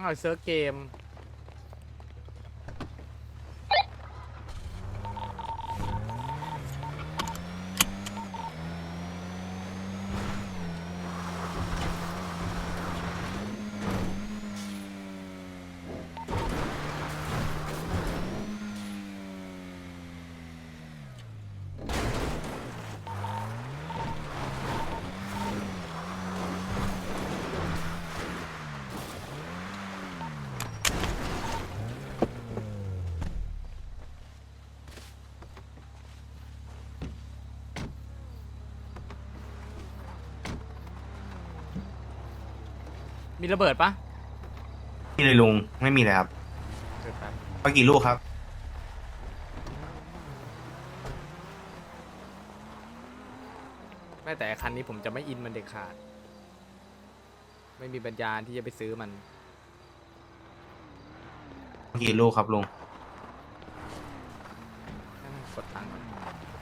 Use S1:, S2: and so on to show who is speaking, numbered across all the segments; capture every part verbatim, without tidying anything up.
S1: อ้าวเซิร์ฟเกมมีระเบิดปะ
S2: มีเลยลุงไม่มีเลยครับ
S1: เกิดแป๊บ
S2: ไปกี่ลูกครับ
S1: แม้แต่คันนี้ผมจะไม่อินมันเด็ดขาด ไม่มีปัญญาที่จะไปซื้อมัน
S2: กี่ลูกครับลุง
S1: กดตังค์ก่อน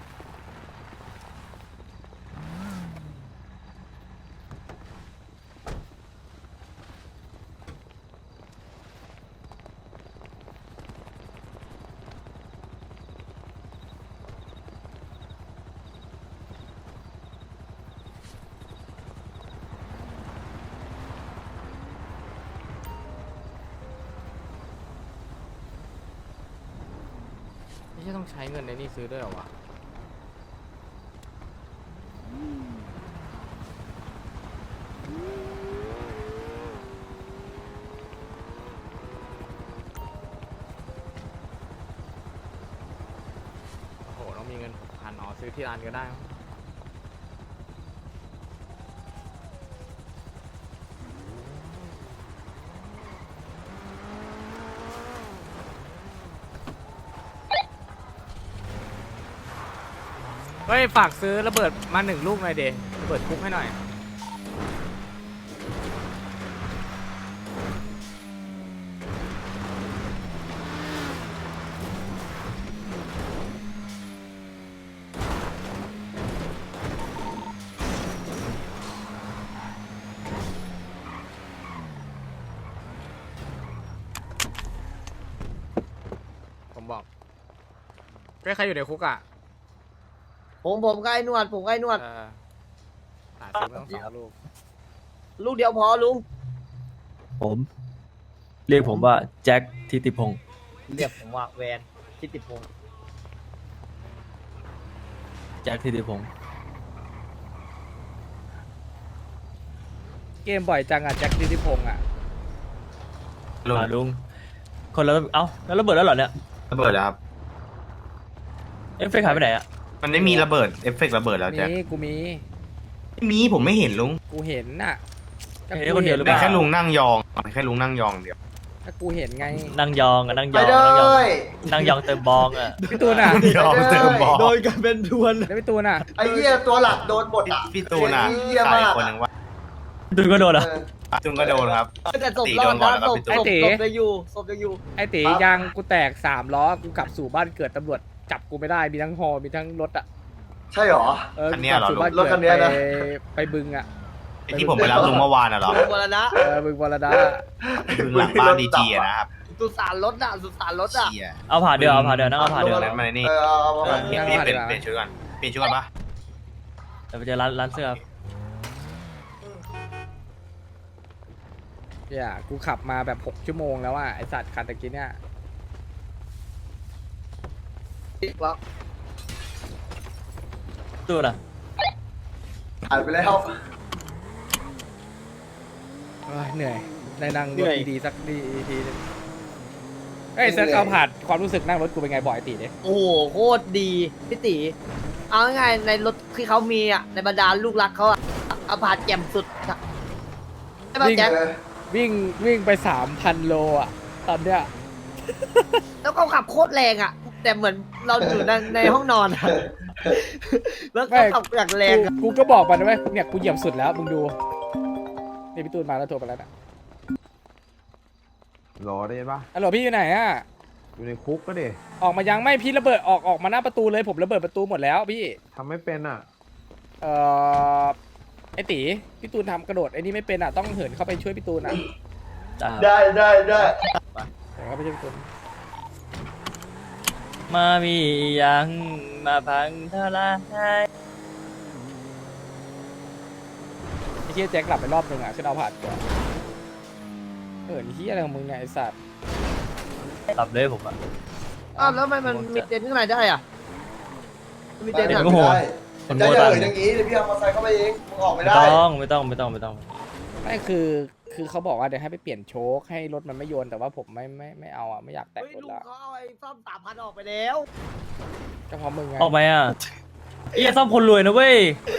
S1: ไม่ใช่ต้องใช้เงินในนี่ซื้อด้วยเหรอวะ โอ้โห ต้องมีเงินหกพันอ๋อซื้อที่ร้านก็ได้มั้งเฮ้ย ฝากซื้อระเบิดมาหนึ่งลูกหน่อยเดระเบิดคุกให้หน่อย ผมบอกเฮ้ยใครอยู่ในคุกอ่ะ
S3: ผมผมก็ไอ้นวดผมก็ไอ้นวด
S1: เออหาซื้อมาต้องสองลูก
S3: ลูกเดียวพอลุง
S4: ผม เรียกผมว่าแจ็คทิติพงศ์
S3: เรียกผมว่าแวนทิติพงศ์
S4: แจ็คทิติพงศ์
S1: เกมบ่อยจังอ่ะ แจ็คดิติพงษ์อ่ะ
S2: ลุง
S4: อ่าลุง คนละเอ้าแล้วระเบิดแล้วเหรอเนี่ย
S2: ระเบิดแล้วครับ
S4: เอฟเฟกต์หายไปไหนอะ
S2: มันไม่มีระเบิดเอฟเฟกต์ระเบิดแล้วแจ็ค
S1: มีกูมี
S2: ไม่มีผมไม่เห็นลุง
S1: กูเห็นน่ะก็
S4: เห็นคนเดียวหรือเป
S2: แต่
S4: ล่า
S2: แค่ลุงนั่งยองแค่ลุงนั่งยองเดียว
S1: ถ้ากูเห็นไง
S4: นั่งยองอะนั่งย
S5: ไป
S4: อง
S5: เล
S4: นั่งยอง
S5: ย
S4: นั่งยองเติมบองอะ
S1: พี่ตูนอ่ะ
S2: ยองเติมบอล
S3: โดนกันเป็นทวน
S1: แล้วพี่ตูนอ่ะ
S5: ไอ้เหี้ยตัวหลักโดนหมดอ่ะ
S2: พี่ตูนอ่ะ
S5: เหี้ย
S2: ใคร
S5: มาก
S2: คนหนึ่งว่า
S4: ดูก็โดน
S5: เอ
S4: อะ
S5: อ
S2: จุงก็โดนครับ
S3: แต่ศพ
S2: ตี
S3: รอ
S2: โด
S3: ด
S2: นก่อน
S3: นะ
S2: แล้ว
S3: ศ
S2: ก็
S3: พ
S2: ไป
S3: ศ
S2: จุ๊
S3: พ
S2: บ
S3: ศพจะอยู่ศพจะอยู่
S1: ไอ้ตียางกูแตกสามล้อ กูกลับสู่บ้านเกิดตำรวจจับกูไม่ได้ มีทั้งฮอมีทั้งรถอ่ะ
S5: ใช่เหรอ
S1: เออ
S2: อัน
S1: กู
S2: เนี้ย
S1: กลับ
S2: เหรอ
S1: สู่บ้าน
S5: รถ
S1: เกิ
S5: คั
S1: ด
S5: นเนี้ย
S1: ไป
S5: นะ
S1: ไปบึงอ่ะ
S2: ไอ้ที่ผมไปรับลุงเมื่อวานน่ะเหรอ
S3: มรณะ
S1: เออบึงวรดา
S2: บึงหลังบ้านดีจีอะนะครับ
S3: สุสานรถอ่ะสุสานรถอ่ะ
S2: เชี่ย
S4: เอาผ่าเดือเอาผ่าเดือนั่งเอาผ่าเดือ
S2: นั้นมาในนี่
S5: เออเอาเอา
S2: เอ
S5: เอา
S2: อพี่พี่เปลี่ยนเปลี่ยนชุดก่อนเปลี่ยนชุดก่อนปะ
S4: เดี๋ยวไปเจอร้านร้านเสื้อ
S1: เนี่ยกูขับมาแบบหกชั่วโมงแล้วอ่ะ ไอสัตว์คันตะกี้เนี่ย
S3: แล้ว
S4: ตู้น่ะ
S5: หายไปแล้ว
S1: เอ้ยเหนื่อย ได้นั่งรถดีๆสักดีทีนึงเฮ้ยเซิร์ชเอาผ่านความรู้สึกนั่งรถกูเป็นไงบ่อยตีเนี่ย
S3: โอ้โหโคตรดีพี่ตีเอาง่ายๆในรถที่เขามีอ่ะในบรรดาลูกรักเขาอ่ะเอาผ่านแจ่มสุดอะใช่ป่ะแจ็ค
S1: วิ่งวิ่งไปสามพันโลอ่ะ ตอนเนี้ย
S3: แล้วเขาขับโคตรแรงอ่ะ แต่เหมือนเราอยู่ในในห้องนอนอะแล้วเขาขับอย่างแรง
S1: กู
S3: อะ
S1: กูก็บอกมันนะเว้ยเนี่ยกูเหยียบสุดแล้วมึงดูนี่พี่ตูนมาแล้วโทรไปแล้วนะ
S6: รอได้ปะ
S1: ฮัลโหลพี่อยู่ไหนอ่ะ
S6: อยู่ในคุกก็ดิ
S1: ออกมายังไม่พี่ระเบิดออกออกมาหน้าประตูเลยผมระเบิดประตูหมดแล้วพี่
S6: ทำไม่เป็นอ่ะ
S1: เอ่อไอตีพี่ตูนทำกระโดดไอ้นี่ไม่เป็นอ่ะต้องเหินเข้าไปช่วยพี่ตูนอ่ะ
S5: ได้ได้ได้
S1: แต่ก็ไม่ใช่พี่ตูน
S4: มามียังมาพังทลาย
S1: ไอ้เหี้ยแจ็คหลับไปรอบหนึ่งอ่ะขึ้นเอาผ่านก่อนเออนี่เหี้ยอะไรของมึงเนี่ยไอ้สัตว์
S4: หลับเลยผมอ่ะ
S3: อ้าวแล้วทำไมมันมีเต็นท์ข้างในได้อ่ะมันมีเต็นท์
S4: เต็นท์
S3: อ่ะ
S4: ก็โหด
S5: ได้จะเอ่ยอย่างงี้เดี๋ยวพี่เอามอเตอร์ไซค์เข้าไปเองมึงออกไม่
S4: ไม่
S5: ได้
S4: ต้องไม่ต้องไม่ต้องไม่ต้อง
S1: ไม่คือคือเขาบอกว่าเดี๋ยวให้ไปเปลี่ยนโชคให้รถมันไม่โยนแต่ว่าผมไม่ไม่ไม่เอาอ่ะไม่อยากแตะ
S3: เฮ้ย
S1: รถ
S3: ลุง
S1: ละ
S3: เขาเอาไอ้ซ่อมสามพันออกไปแล้ว
S1: ก็เพราะมึงไง
S4: ออกไหมอ่ะไอ้ซ่อมคนรวยนะเว้ย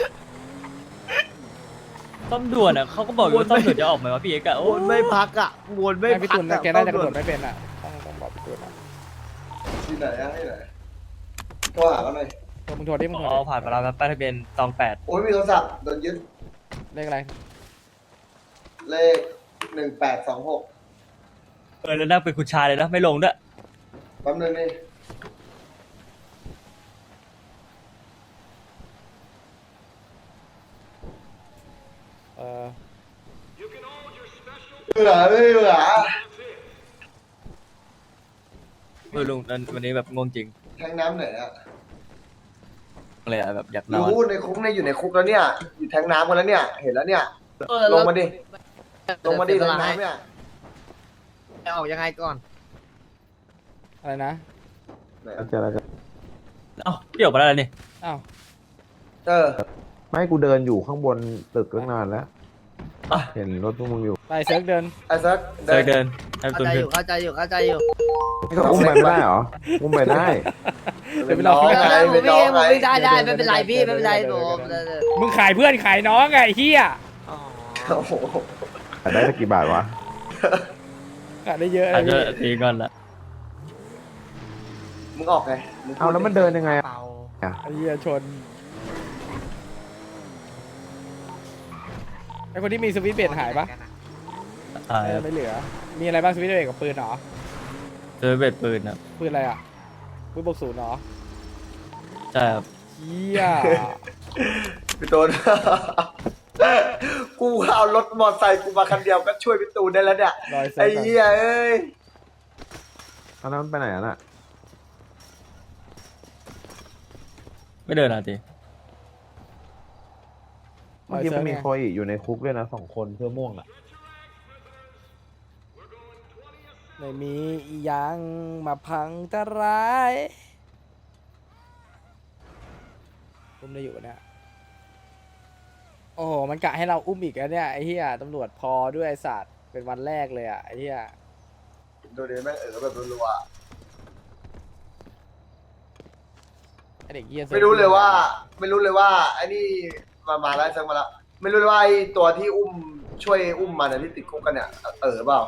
S4: ซ่อมด่วนอ่ะเขาก็บอกอยู่ว่าซ่อมด่วนจะออกไหมวะพี่เอกอะโอ้
S3: วนไม่พักอ่ะวนไม่
S1: ไม่พี่
S3: พัก
S1: ตูน
S3: อะ
S1: แกน่าจะกระโดดไม่เป็นอ่ะต้องต้องบอกพี่ตูนอ่ะ
S5: ที่ไหนอะที่ไหนโทรหาเขาหน่อย
S1: โทรมึงโทรดิมึงโทร
S4: อ๋อ
S1: ดิ
S4: ผ่านมาแล้วครับป้ายทะเบียนตองแปด
S5: โอ้ยมีโทรศัพท์โดนยึด
S1: เลขอะไร
S5: เลขหนึ่งแปดสองหก
S4: เออแล้วนั่งเป็นคุณชายเลยนะไม่ลงด้วย
S5: แป๊บนึงนี่
S1: เออ
S5: เบื่อไม่เบื่อ
S4: เออลุงวันนี้แบบงงจริง
S5: แทงน้ำไหนอะ
S4: เลยอะแบบอยากนอน
S5: รู้ในคุกเนี่ยอยู่ในคุกแล้วเนี่ยอยู่แทงน้ำกันแล้วเนี่ยเห็นแล้วเนี่ย
S3: เออ
S5: ลงมาดิลงมาดิ
S3: เสี
S5: แท
S3: ย
S5: ง
S3: เวลา
S5: น้ำเนี่ย
S3: จะออกยังไงก่อน
S1: อะไรนะ
S6: เจอแล้ว
S4: เอ้าพี่ออกมาแล้วเหรอนี่
S1: อ้าว
S5: เออ
S6: ไม่กูเดินอยู่ข้างบนตึกตั้งนานแล้ว เห็นรถพวกมึงอยู่
S1: ไปเซิร์ฟเดิน
S5: ไอ้ซัก
S4: เดินเดินให้
S3: เข้า
S4: ตุน
S3: ใจอ
S4: ขึ้น
S3: ยู่เข้าใจอยู่เข้าใจอยู่
S6: ก็อุ้มไปไม่ได้เหรอ อุ้มไปได้
S1: เดี๋ยวไปรอ
S3: เอ
S5: ไง
S3: อผม
S5: เป็นน้
S3: วิ่
S5: อง
S3: ง
S5: ไง
S3: ผมวิ่งได้ได้ไม่เป็นไรพี่ไม่เป็นไรผม
S1: มึงขายเพื่อนขายน้องไงไอ้เฮีย
S5: โอ้โห
S6: ได้สักกี่บาทวะ
S1: ขายได้เยอะ
S4: อาจ
S1: เล
S4: จะ
S1: ย
S4: ตีก่อนละ
S5: มึงออกไงง
S6: เอาแล้วมันเดินยังไงอะ
S3: เปล่า
S1: ไอ้เฮียชนไอ้คนที่มีสวิตช์เบรดหายปะ
S4: ตาย
S1: เออไม่เหลือ มีอะไรบ้างสวิตช์เบรดกับปืนเหรอ
S4: เจอเบ็ดปืนนะ
S1: ปืนอะไรอ่ะปืนบวกศูนย์เหรอ
S4: ใช่ครับ
S1: เฮีย
S5: พี่ตูน กูเอารถมอเตอร์ไซค์กูมาคันเดียวก็ช่วยพี่ตูนได้แล้วเนี่ย
S1: รอยเซิ
S5: ไอ้
S1: ร์ฟก่อน
S5: เหี้ยเอ้ย
S6: ตอนนั้นมันไปไหนอะน่ะ
S4: ไม่เดินอ่ะตี
S6: เมื่อกี้มันมีโคอีอยู่ในคุกด้วยนะสองคนเพื่อม่วงอ่ะ
S1: ไม่มีอีหยังมาพังตะร้ายอุ้มได้อยู่เนี่ยโอ้โหมันกะให้เราอุ้มอีกแล้วเนี่ยไอ้เหี้ยตำรวจพอด้วยไอ้สัตว์เป็นวันแรกเลยอ่ะไอ้เหี้ย
S5: ดูดิแม่งเออแบบรัว
S1: ไอ้เด็กเหี้ย
S5: ๆไม่รู้เลยว่า ไม่รู้เลยว่าไอ้นี่มามาแล้วซักมาแล้วไม่รู้เลยว่าไอ้ตัวที่อุ้มช่วยอุ้มมันอะที่ติดคุกกันเนี่ยเออเปล่า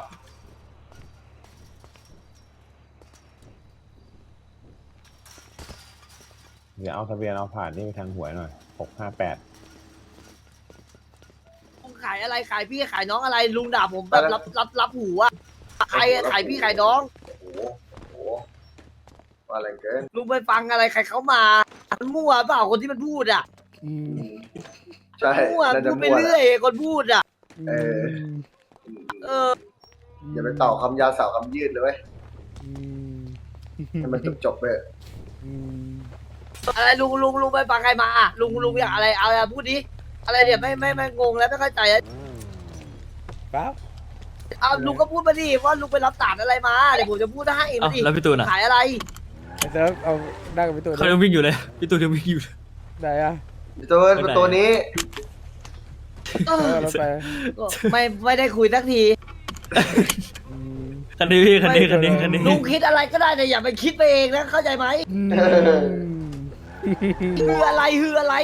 S6: เดี๋ยวเอาทะเบียนเอาผ่านนี่ไปทางหวยหน่อยหกห้าแปด
S3: ลุงขายอะไรขายพี่ขายน้องอะไรลุงด่าผมแบบรับรับรับหูอ่ะใครอะขายพี่ขายน้อง
S5: โอ้โหโอ้โหว่าอะไรเกิน
S3: ลุงไปฟังอะไรใครเขามามันมั่วเปล่าคนที่มันพูดอ่ะ
S1: อืม
S5: ใช่
S3: มั่ว
S5: น่าจะ
S3: พูดไป
S5: มั่วแห
S3: เรื่อ
S5: ละ
S3: ยคนพูดอ่ะ
S5: เออ
S3: เออ
S5: อย่าไปต่อคำยาวสาวคำยืดเลยเว้ย
S1: อืม
S5: ให้มันจบจบๆไปเถอะ
S1: อืม
S3: อะไรลุงลุงลุงไปฟังใครมาอะลุงลุงอยากอะไรเอาอะไรพูดดิอะไรเนี่ยไม่ไม่ไม่งงแล้วไม่เข้าใจอะ
S1: ปั๊บ
S3: เอาลุงก็พูดมาดิว่าลุงไปรับสารอะไรมาเดี๋ยวผมจะพูดให้
S4: เอ้า
S3: มาดิ
S4: แล้วพี่ตูนอ่ะ
S3: ขายอะไร
S1: ไอ้เซิร์ฟเอานั่งกับพี่ตูน
S4: เขายังวิ่งอยู่เลยพี่ตูนยังวิ่งอยู่เลย
S1: ไหนอ่ะ
S5: ตัว
S4: ไม่ได้
S5: ตัวนี้
S3: เอ
S1: เอ
S3: อ
S1: อรถไป
S3: ก็ไม่ไม่ได้คุยสักที
S1: อืม
S4: คันนี้พี่คันนี้คันนี้คันนี้
S3: ลุงคิดอะไรก็ได้แต่อย่าไปคิดไปเองนะเข้าใจไหม
S1: อืม
S3: ฮืออะไรฮืออะไร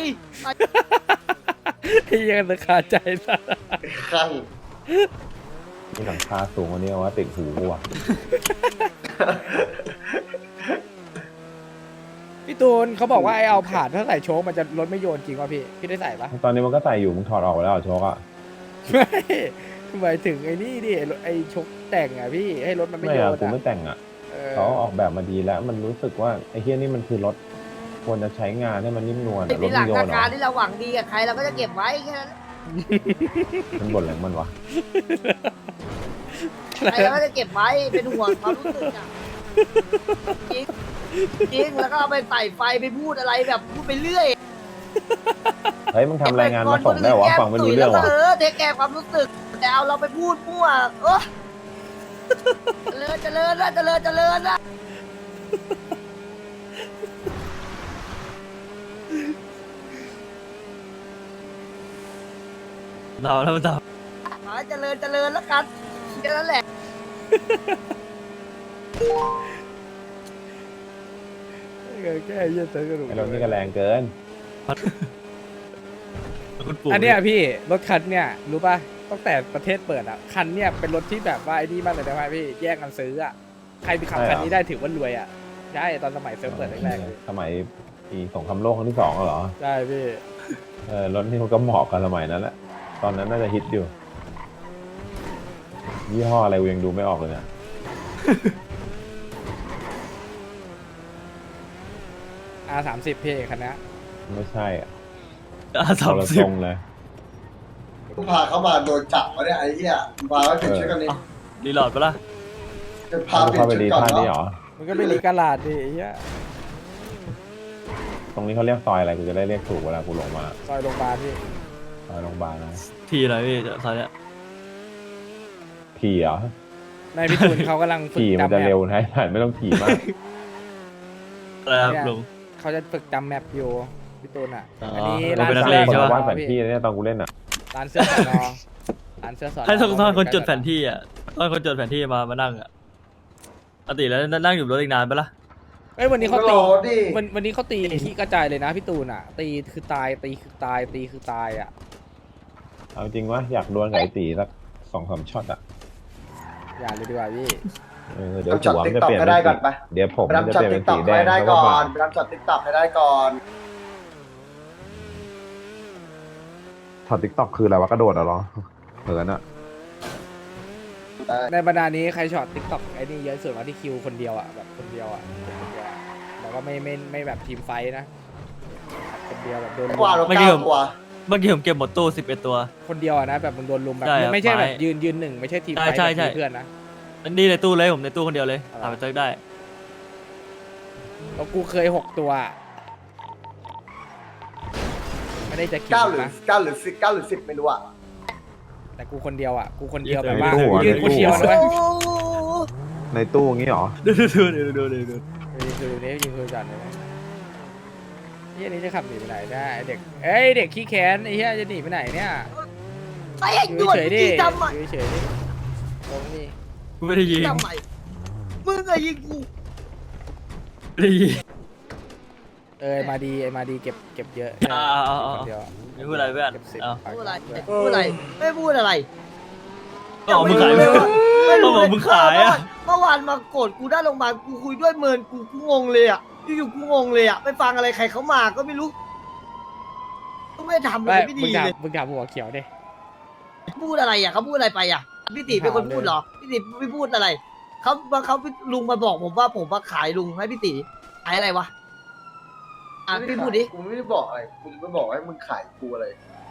S1: ไอ้เหี้ยังจะขาดใจสัส
S5: ข้าง
S6: มีหลังคาสูงกว่านี้เอาว่าติดหูกูอ่ะ
S1: พี่ตูนเขาบอกว่าไอ้เอาผ่านถ้าใส่โชคมันจะรถไม่โยนจริงวะพี่พี่ได้ใส่ปะ
S6: ตอนนี้มันก็ใส่อยู่มึงถอดออกไปแล้วเหรอโชกอ่ะ
S1: ไม่หมายถึงไอ้นี่ดิไอ้รถไอ้ชกแต่งอ่ะพี่ให้รถมันไม่
S6: ไม่
S1: โย
S6: อะ
S1: น
S6: กู
S1: อ่ะ
S6: ไม่แต่งอ่ะ
S1: เออ
S6: เขาออกแบบมาดีแล้ว มันรู้สึกว่าไอ้เฮียนี่มันคือรถควรจะใช้งานให้มันนิ่มนวล
S3: ไอ้
S6: อะร
S3: มี
S6: ถ
S3: หลั
S6: มึ
S3: ก
S6: งโยนเหร
S3: การ
S6: อ
S3: ที่เราหวังดีกับใครเราก็จะเก็บไว้แค่นั้น
S6: มันบ่นอะไรของมันวะ
S3: ไอ้แล้วก็จะเก็บไว้เป็นห่วงความรู้สึกอ่ะจริงจริงแล้วก็เอาไปใส่ไฟไปพูดอะไรแบบพูดไปเรื่อย
S6: เฮ้ยมึงทำรายงานมาส่งได้เหรอวะฟังไม่รู้เรื่อง
S3: แล้ว
S6: วะ
S3: ก็เออเทคแคร์ความรู้สึกแต่เอาเราไปพูดมั่วเออเจริญเจริญนะเจริญเจริญนะ
S4: เราแล้วมันต่อ
S3: ขอให้เจริญเจริญแล้วกันแค่นั้นแหละ
S1: แค่เยี่ยเติร์กระดูก
S6: ไอ้เรานี่ก็แรงเกิน
S4: คุณปู่
S1: อันเนี้ยพี่รถคันเนี่ยรู้ป่ะตั้งแต่ประเทศเปิดอ่ะคันเนี่ยเป็นรถที่แบบว่าไอ้นี่มากเลยนะพี่แย่งกันซื้ออ่ะใครไปขับ
S6: ใช่เหรอ
S1: คันนี้ได้ถือว่ารวยอ่ะใช่ตอนสมัยเซิร์ฟเปิดแรกๆเลย
S6: สมัยปีสงครามโลกครั้งที่สองอะเหรอ
S1: ใช่พี่
S6: เออรถนี่มันก็เหมาะกับสมัยนั้นแหละ ตอนนั้นน่าจะฮิตอยู่ ยี่ห้ออะไรกูยังดูไม่ออกเลยเนี่ย
S1: อาร์สามสิบพี่คันนี้
S6: ไม่ใช่อ่ะ
S4: อ่ะ
S6: ค
S4: สาม
S6: นละ
S4: สิ
S6: ท
S4: บ
S6: รงเลย
S5: กูพาเขามาโดนจับวะเนี่ยไอ้เหี้ยมึงพาไว้เปลี่ยนชุดกันนี่
S4: รีโหลดปะล่ะ
S5: จะพา
S6: เอา
S5: เปลี่ย
S6: เข้าน ไป
S5: ชุด
S6: ดี
S5: ก่อน
S6: ท่านี้เหร
S5: เนาะ
S6: อ
S1: มันก็ไม่รีกาลาดดิไอ้เหี้ย
S6: ตรงนี้เขาเรียกซอยอะไรกูจะได้เรียกถูกเวลากูลงมา
S1: ซอยโรงพยาบาลพี่
S6: ซอยโรงพยาบาลนะ
S4: ทีอะไรพี่ตอนเนี้ย
S6: ขี่เหรอ
S1: ในพี่ตูนเขากำลังฝึก
S6: ขี่มัน
S1: จำแม
S6: จะเร็ว
S1: ป
S6: นะ ไม่ต้องขี่มาก
S4: อะไรครับลุง
S1: เขาจะฝึกจำแมปอยู่พี่ตูนอ่ะ
S4: อ๋ออั
S1: อันนี้
S4: เรา
S1: ร้าน
S4: เป็นนัก
S1: เสื้
S4: เล
S1: อง
S4: ใช่
S1: ส
S4: ปะ
S1: อน
S6: วาดแผ
S1: อน
S6: ที่
S1: พี่
S6: เนี่ยตอนกูเล่นอ่ะ
S1: ร้านเสื้อสอนอร้านเสื้อสอนอ
S4: ให้ทุกท่านคนจดแผนที่อ่ะต้องคนจดแผนที่มามานั่งอ่ะปกติแล้วนั่งอยู่รถอีกนานปะล่ะ
S1: เอ้ยวันนี้เขา
S5: โหล
S1: ตี
S5: ดดิ
S1: วันวันนี้เขาตีที่กระจายเลยนะพี่ตูนอ่ะ ตีคือตายตีคือตายตีคือตายอ่ะ
S6: เอาจริงวะอยากดวลกับไอ้ตีสักสองสามช็อตอ่ะ
S1: อย่าเลยดีกว่าพี่
S6: เออเดี๋ยว
S5: เอาช็อต
S6: หัวมันจะ
S5: TikTok
S6: เปลี่ยน
S5: ให้
S6: เป็น
S5: ได้ก่
S6: สี
S5: อนไป
S6: เดี๋ยวผม
S5: ไป
S6: มันจะ
S5: ทำช็อ
S6: เป
S5: ต
S6: ลี่ยน
S5: ติ๊
S6: เป็น
S5: กต็
S6: สี
S5: อก
S6: แด
S5: ให้
S6: ง
S5: ได้
S6: แล้วก็
S5: ก่อ
S6: บาน ด
S5: ไปทำช็อตติ๊กต็อกให้ได้ก่อน
S6: ถอดติ๊กต็อกคืออะไรวะกระโดดเหรอเหินอ่ะ
S1: ในบรรดานี้ใครช็อตติ๊กต็อกไอ้นี่เยอะสุดว่าที่คิวคนเดียวอ่ะแบบคนเดียวอ่ะคนเดียวอะแล้วก็ไม่ไม่ไม่แบบทีมไฟท์นะคนเดียวแบบโดนลุ
S5: กว่าเรา
S4: ไม่เกี่
S5: เก้า
S4: ยว
S5: ตัว
S4: เมื่อกี้ผมเก็บหมดตู้สิบเอ็ดตัว
S1: คนเดียวอะนะแบบมึงโดนลุมแบบ
S4: ใช่ครับ
S1: ไม่ใช่แบบ
S4: ไฟท์
S1: ยืนยืนหนึ่งไม่ใช่ทีมไฟท์
S4: ใช่
S1: แบบ
S4: ใช่
S1: ทีมเพื่อนนะ
S4: อันนี้ในตู้เลยผมในตู้คนเดียวเลย
S1: อะไร
S4: ถามไปเจอได้
S1: แล้วกูเคยหกตัว ไม่ได้จะคิว
S5: เก้าหรือ
S1: นะ
S5: เก้าหรือสิบเก้าหรือสิบไม่รู้อ่ะ
S1: แต่กูคนเดียวอ่ะกูคนเดียว
S4: ใน
S1: แบบว่า
S6: ตู้อะ
S1: ยืน
S6: ในตู้
S1: กูเชียวนะเว้ย
S6: ในตู้อย่างงี้เหรอ
S4: ดูดูดูดูดูดูดู
S1: ยืนคือนี้ยืนคือจัดเลยนี่อันนี้จะขับหนีไปไหนได้ไอ้เด็กเอ้ยเด็กขี้แค้นไอ้เหี้ยจะหนีไปไหนเนี่ย
S3: ไอ้ไอ้
S1: อยู่
S3: หยวด
S1: เฉยๆดิ
S3: ที่ทำไม
S1: อยู่เฉยๆดิตรงนี้
S4: กูไม่ได้ยิง
S3: ทำไมมึงอะยิงกู
S4: ไม่ได้ยิง
S1: เออมาดีไอ้มาดีเก็บเก็บเยอะ
S4: อ่าเอาเอา
S1: คนเดียว
S4: ไม่พูดอะไรเพื่อน
S1: เก็บสิบ
S4: เอา
S3: พูดอะไรพูดอะไรไม่พูดอะไร
S4: ก็บอกมึงขาย
S3: ไม่รู้เลย
S4: ก็บอกมึงขายอ่ะ
S3: เมื่อวานมาโกรธกูได้โรงพยาบาลกูคุยด้วยเมินกูกูงงเลยอ่ะอยู่ๆกูงงเลยอ่ะไปฟังอะไรใครเขามาก็ไม่รู้ก็ไม่ได้ทำอะไร
S1: ไม่
S3: ไม่
S1: มึ
S3: ดี
S1: งถาม
S3: เลย
S1: มึงถามหัวเขียวดิ
S3: พูดอะไรอ่ะเขาพูดอะไรไปอ่ะพี่ติเป็นคนพูดเหรอพี่ติไม่พูดอะไรเขาเขาลุงมาบอกผมว่าผมมาขายลุงให้พี่ติขายอะไรวะอ่ะพี่พูดดิ
S5: กูไม่ได้บอกอะไรกูจะไม่บอกให้มึงขายกูอะไร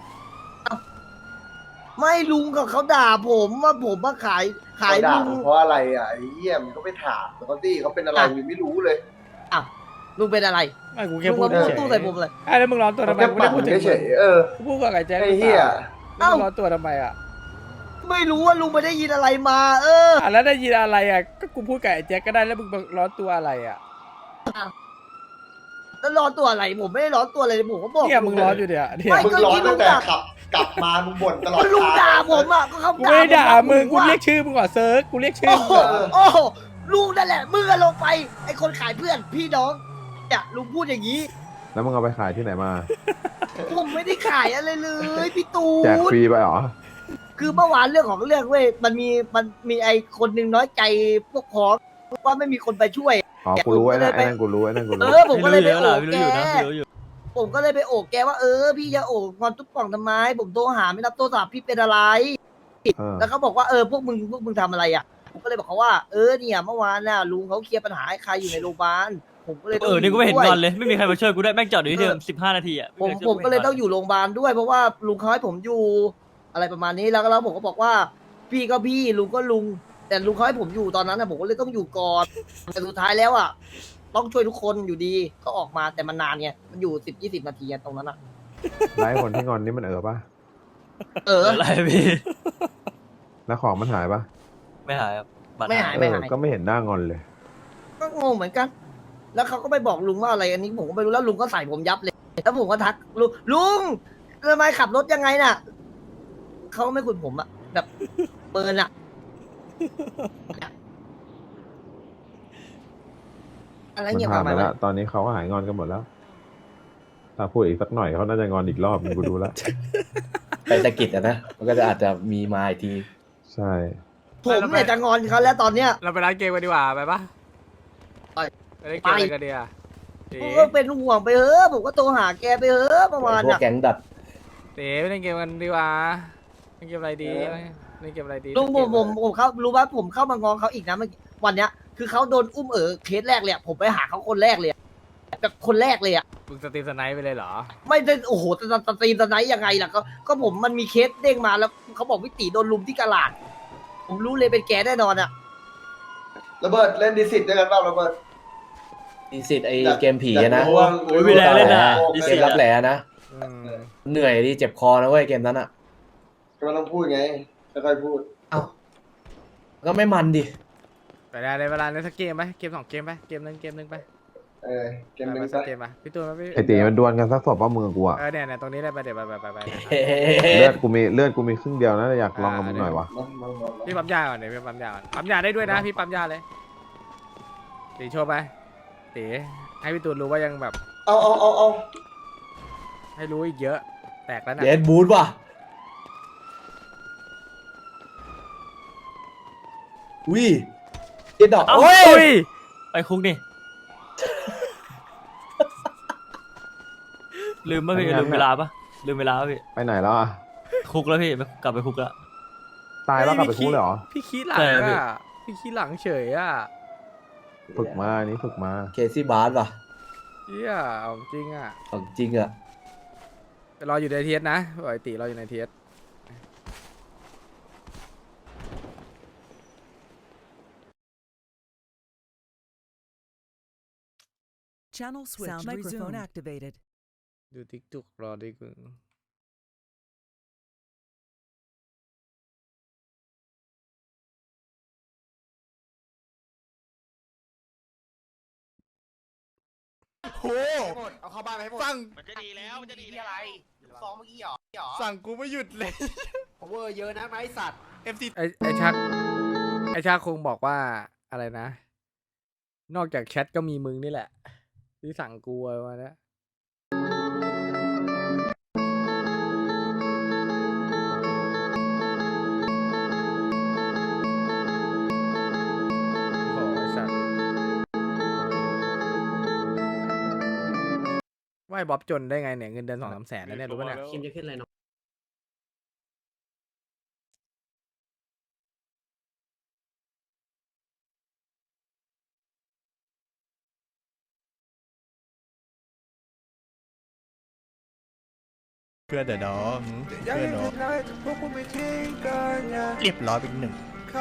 S3: ไม่ลุงกับเขาด่าผมว่าผมมาขายขาย
S5: เขาด่า
S3: ลุง
S5: มึงเพราะอะไรอ่ะไอ้เหี้ยมันก็ไปถามเขาสิเขาเป็นอะไรมึงไม่รู้เลย
S3: อ่ะลุงเป็นอะไร
S1: ไม่กูแค่
S3: ลุง
S1: พูด
S3: มาพูด
S1: เฉย
S3: ตู้ใส่ผมเลย
S1: ไอ้แล้วมึงร้อนตัวทำ
S5: เขา
S1: ไม
S5: แค่
S1: กูไม่
S5: ปั่
S1: ได้
S5: น
S1: พูดถึง
S5: เฉยๆเออ
S1: กูพูดกับไอ้แจ็ค
S5: ไอ้เหี้ย
S1: แล้วมึงร้อนตัวทำไมอ่ะ
S3: ไม่รู้ว่าลุงไปได้ยินอะไรมา เออ
S1: อ่ะแล้วได้ยินอะไรอ่ะก็กูพูดกับไอ้แจ็คก็ได้แล้วมึงร้อนตัวอะไรอ่ะ
S3: แล้วร้อนตัวอะไรผมไม่ได้ร้อนตัวอะไรเลยผมก็บอก
S1: เนี่ยมึงร้อนอยู่เนี่ยเนี่ย
S3: ไม่
S5: มึงร้อนตั้งแต่ขับกลับมามึงบ่นตลอด
S3: ก็ลุง
S5: ทาง
S3: ด่าผมอ่ะก็เขา
S1: กูไม่ได้ด่ามึงกู
S3: ว่า
S1: เรียกชื่อมึงก่อนเซิร์ชกูเรียกชื่อ
S3: โอ้
S1: มึง
S3: โห
S1: ก่อน
S3: โอ้โหลุงนั่นแหละมึงอะลงไปไอคนขายเพื่อนพี่น้องเนี่ยลุงพูดอย่างนี้
S6: แล้วมึงเอาไปขายที่ไหนมา
S3: ผมไม่ได้ขายอะไรเลยพี่ตู
S6: แจก
S3: น
S6: ฟรีไปเหรอ
S3: คือเมื่อวานเรื่องของเรื่องเว้ยมันมีมันมีไอคนหนึ่งน้อยใจพวกพ้องว่าไม่มีคนไปช่วย
S6: อ๋อ กูรู้ไอ้นั่นไอ้นั่นกูรู้ไอ้นั่นกู
S3: เอ
S6: รู้
S3: อผมก็เลยไป
S4: ไม่รู้
S3: โอบ
S4: อยู่
S3: แก
S4: แล้วไม่รู้อยู่นะไม่รู้อยู่
S3: ผมก็เลยไปโอบแกว่าเออพี่จะโอบความทุกข์ป่องทำไมผมโทรหาไม่รับโทรศัพท์พี่เป็นอะไร
S6: เออ
S3: แล้วเขาบอกว่าเออพวกมึงพวกมึงทำอะไรอ่ะผมก็เลยบอกเขาว่าเออเนี่ยเมื่อวานน่ะลุงเขาเคลียร์ปัญหาให้ใครอยู่ในโรงพยาบาลผมก็เลยต้
S4: เอ
S3: อง
S4: อนี่กูไม่เห็น
S3: ด้ว
S4: งอนเลยไม่มีใครมาช่วยกูได้แม่งจอดอยู่ที่เดิมสิบห้านาทีอ่ะ
S3: ผมผมก็เลยต้องอยู่โรงพยาบาลด้วยเพราะว่าลุงเขาให้ผมอยู่อะไรประมาณนี้แล้วก็แล้วผมก็บอกว่าพี่ก็พี่ลุงก็ลุง แต่ลุงเขาให้ผมอยู่ตอนนั้นนะผมก็เลยต้องอยู่ก่อนแต่สุดท้ายแล้วอ่ะต้องช่วยทุกคนอยู่ดีก็ออกมาแต่มันนานไงมันอยู่สิบยี่สิบนาทีอะตรงนั้นอ่ะ
S6: ไล่คนที่งอนนี่มันเออปะ
S3: เออ
S4: อะไรพี่
S6: แล้วของมันหายปะ
S4: ไม่หายครับบัตร
S3: ไม่หาย
S6: เออก็ไม่เห็นหน้างอนเลย
S3: ก็งงเหมือนกัน แล้วเขาก็ไปบอกลุงว่าอะไรอันนี้ผมก็ไม่รู้แล้วลุงก็ใส่ผมยับเลยแล้วผมก็ทักลุงลุงทำไมขับรถยังไงน่ะเขาไม่คุยผมอะแบบเปินอะอะไร
S6: มัน
S3: เงี้ย
S6: ผ่าน
S3: มา
S6: ไป
S3: ไหม
S6: แล้ว ตอนนี้เขาก็หายงอนกันหมดแล้ว ถ้าพูดอีกสักหน่อยเขาน่าจะงอนอีกรอบมึงกูดูแล้ว
S7: ไปสะกิดอะนะ มันก็จะอาจจะมีมาอีกที
S6: ใช่
S3: ผมเนี่ยจะงอนเขาแล้วตอนเนี้ย
S1: เราไปร้านเกมกันดีกว่าไปปะ
S3: ไป
S1: ไปเล่นเกมอะไรกันดีอ่ะเต๋
S3: ผมก็เป็นห่วงไปเถอะผมก็โทรหาแกไปเถอะประมาณ
S7: พวก
S3: น่ะ
S7: แก๊งดัด
S1: เต๋ไปเล่นเกมกันดีกว่าเล่นเกมอะไรดีเล่นเกมอะไรดี
S3: ลุงผมผมผมเข้ารู้ว่าผมเข้ามางอเขาอีกนะเมื่อกี้วันเนี้ย คือเขาโดนอุ้มเอ๋อเคสแรกเลยอะผมไปหาเขาคนแรกเลยอะแบบคนแรกเลยอะ
S1: มึงสตรีมสไนป์ไปเลยเหรอ
S3: ไม่ได้โอ้โหสตสตรีมสไนท์ยังไงล่ะก็ก็ผมมันมีเคสเด้งมาแล้วเขาบอกวิติโดนลุมที่กะลาด ผมรู้เลยเป็นแกแน่นอนอะ
S5: ระเบิดเล่นดิสิตด้วยกันเปล่าระเบิด
S7: ดีสิทธิ์ไอเกมผีอะนะ
S5: อยากรู้ว่า
S4: โอ้ยไม่แรงเล่นนะ
S7: ดีสิทธิ์รับแหล่นะ
S1: อืม
S7: เหนื่อยดิเจ็บคอนะเว้ยเกมนั้นอะ
S5: ก็ต้องพูดไงค่อยๆพูด
S7: เอ้าก็ไม่มันดิ
S1: ไปได้เลยเวลาเล่นสักเกมไหมเกมสองเกมไหมเกมหนึงเกมหนึงไป
S5: เออเกมหนึง
S1: ไป
S5: ซะ
S1: สักเกมป่ะพี่ตูนมาพี่
S6: ไอตีมันดวลกันสักศพว่ามึงกับกูอะ
S1: เออเนี่ยเนี่ยตรงนี้เลยไปเดี๋ยวไปไปไปไป
S7: เฮ้
S6: เลือดกูมีเลือดกูมีครึ่งเดียวนะอยากลองกับมึงหน่อยวะ
S5: มามามามา
S1: พี่ปั๊มยาก่อนเดี๋ยวพี่ปั๊มยาก่อนปั๊มยาได้ด้วยนะพี่ปั๊มยาเลยตีโชว์ไปตีให้พี่ตูนรู้ว่ายังแบบ
S5: เอาเอาเอาเอา
S1: ให้รู้อีกเยอะ แตกแล้วนะ
S7: เดดบูทว่ะอุ้ยเจ็ดดอก
S4: เอ้า
S7: โอ้ย
S1: อุ้ย
S4: ไปคุกนี่ ลืมป่ะพี่ลืมเวลาป่ะลืมเวลาป่ะพี่
S6: ไปไหนแล้วอะ
S4: คุกแล้วพี่กลับไปคุกแล้ว
S6: ตายแล้วกลับไปคุกเลยเหรอ
S1: พี่ขี้หลัง
S4: ใช่พี่
S1: อ่ะพี่ขี้หลังเฉยอ่ะ
S6: ฝึกมาอันนี้ฝึกมา
S7: เคซี่บาร์ว่ะ
S1: เฮียเอาจริงอ่ะ
S7: ของจริงอะ
S1: แต่รออยู่ในเทียสนะปล่อยตีรออยู่ในเทียส
S8: Channel switch. Sound microphone activated.
S1: ดูติ๊กตุกรอดิกูเอาเข้าบ้านไปให้หมดสั่ง
S2: มันจะดีแล้วมันจะดีอะไรฟ้องเมื่อกี้หรอหรอ
S1: สั่งกูไม่หยุดเลย
S2: power เยอะนะไอ้สัตว์
S1: เอฟซีไอไอชักไอชักคงบอกว่าอะไรนะ นอกจากแชทก็มีมึงนี่แหละ ที่สั่งกูไว้มาเนี้ยโอ้โหไอสัตว์ว่าไอ้บ๊อบจนได้ไงเนี่ยเงินเดือนสองสามแสนแล้วเนี่ยรู้ป่ะเนี่ย
S7: คิมจะขึ้นอะไรเนาะ
S2: เพื่อนเดี๋ยวน้องเพื่อนน้องเรียบร้อยเป็นหนึ่ง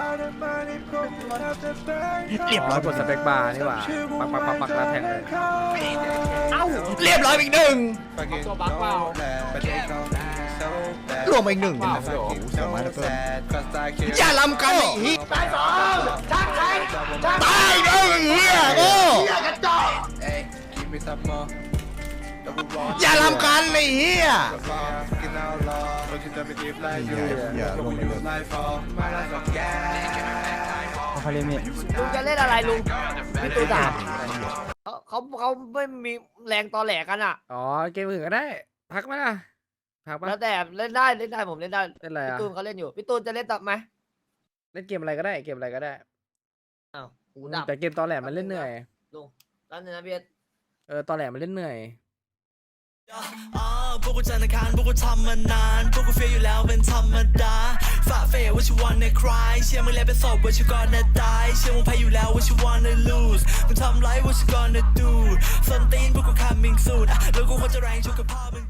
S2: เรียบร้อย
S1: กดสเปคบาร์นี่หว่าปักปักปักปักแล้วแทงเลย
S2: เรียบร้อยเป็นหนึ่งตัวบักเปล่า รวมอีกหนึ่งอย่าลำกันไอ้เหี้ยตายสองชักแทงตายเด้อไอ้เหี้ยโอ้อย่าลำกันไอ้เหี้ย
S3: ลุงจะเล่นอะไรลุงพี่ตูนถามเขาเขาเขาไม่มีแรงตอแหลกันอ่ะ
S1: อ๋อเกมอื่นก็ได้ พักไหมล่ะพักปะ
S3: แล้วแต่เล่นได้เล่นได้ผมเล่นได้
S1: เล่นอะไร
S3: พี่
S1: อ่ะ
S3: ตูนเขาเล่นอยู่พี่ตูนจะเล่นต่อไหม
S1: เล่นเกมอะไรก็ได้เกมอะไรก็ได้
S3: อ้าวหูดับ
S1: แต่เกมตอนแหลมันเล่นเหนื่อย
S3: ลุงแล้วเนี่ยนะพี่เอส
S1: เออตอนแหลมันเล่นเหนื่อย
S8: อ่าพวกกูจันทร์อังคารพวกกูทำมานาน พวกกูเฟียอยู่แล้วเป็นธรรมดาฝ่าเฟยว่าชิวันในคลายเชื่อมึงแล้วเป็นศพว่าชิวก่อนนะตายเชื่อมึงแพ้อยู่แล้วว่าชิวันใน lose มึงทำไรว่าชิวก่อนนะ do ส้นตีนพวกกู coming soon อ่ะแล้วกูควรจะแรงชุกกับพ่อมึง